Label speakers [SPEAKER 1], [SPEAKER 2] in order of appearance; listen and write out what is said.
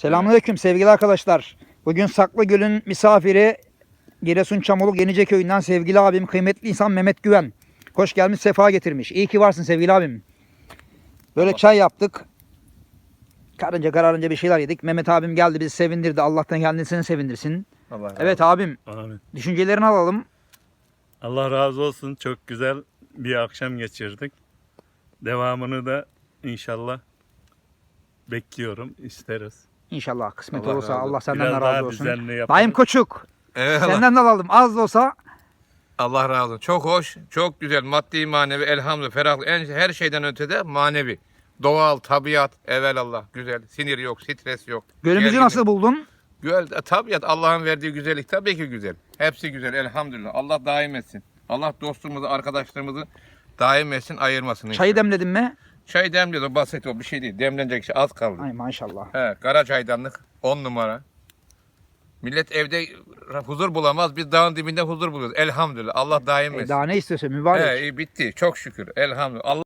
[SPEAKER 1] Selamünaleyküm sevgili arkadaşlar. Bugün Saklıgöl'ün misafiri Giresun Çamoluk Yenice Köyü'nden sevgili abim, kıymetli insan Mehmet Güven. Hoş gelmiş, sefa getirmiş. İyi ki varsın sevgili abim. Böyle çay yaptık. Karınca kararınca bir şeyler yedik. Mehmet abim geldi, bizi sevindirdi. Allah'tan kendisini sevindirsin.
[SPEAKER 2] Allah razı
[SPEAKER 1] Evet abim,
[SPEAKER 2] Amin.
[SPEAKER 1] düşüncelerini alalım.
[SPEAKER 2] Allah razı olsun. Çok güzel bir akşam geçirdik. Devamını da inşallah bekliyorum, isteriz.
[SPEAKER 1] İnşallah kısmet
[SPEAKER 3] Allah
[SPEAKER 1] olursa
[SPEAKER 3] razı olsun.
[SPEAKER 1] Allah senden
[SPEAKER 2] Biraz
[SPEAKER 1] de
[SPEAKER 2] daha
[SPEAKER 1] razı olsun.
[SPEAKER 2] düzenli yaparız.
[SPEAKER 1] Daim Koçuk,
[SPEAKER 3] Evet,
[SPEAKER 1] senden de alalım. Az da olsa
[SPEAKER 3] Allah razı olsun. Çok hoş, çok güzel. Maddi, manevi, elhamdülillah, ferahlık. Her şeyden ötede manevi. Doğal, tabiat, evelallah. Güzel. Sinir yok, stres yok.
[SPEAKER 1] gölümüzü
[SPEAKER 3] Gerginlik.
[SPEAKER 1] nasıl buldun?
[SPEAKER 3] Güzel. Tabiat, Allah'ın verdiği güzellik tabii ki güzel. Hepsi güzel, elhamdülillah. Allah daim etsin. Allah dostumuzu, arkadaşlarımızı daim etsin, ayırmasın.
[SPEAKER 1] Çayı
[SPEAKER 3] inşallah.
[SPEAKER 1] demledin mi?
[SPEAKER 3] Çay demliyoruz, o basit, o bir şey değil. Demlenecek şey az kaldı.
[SPEAKER 1] Ay maşallah.
[SPEAKER 3] He, kara çaydanlık 10 numara. Millet evde huzur bulamaz. Biz dağın dibinde huzur buluyoruz. Elhamdülillah. Allah daim etsin.
[SPEAKER 1] Daha ne istiyorsun mübarek?
[SPEAKER 3] He, bitti. Çok şükür. Elhamdülillah. Allah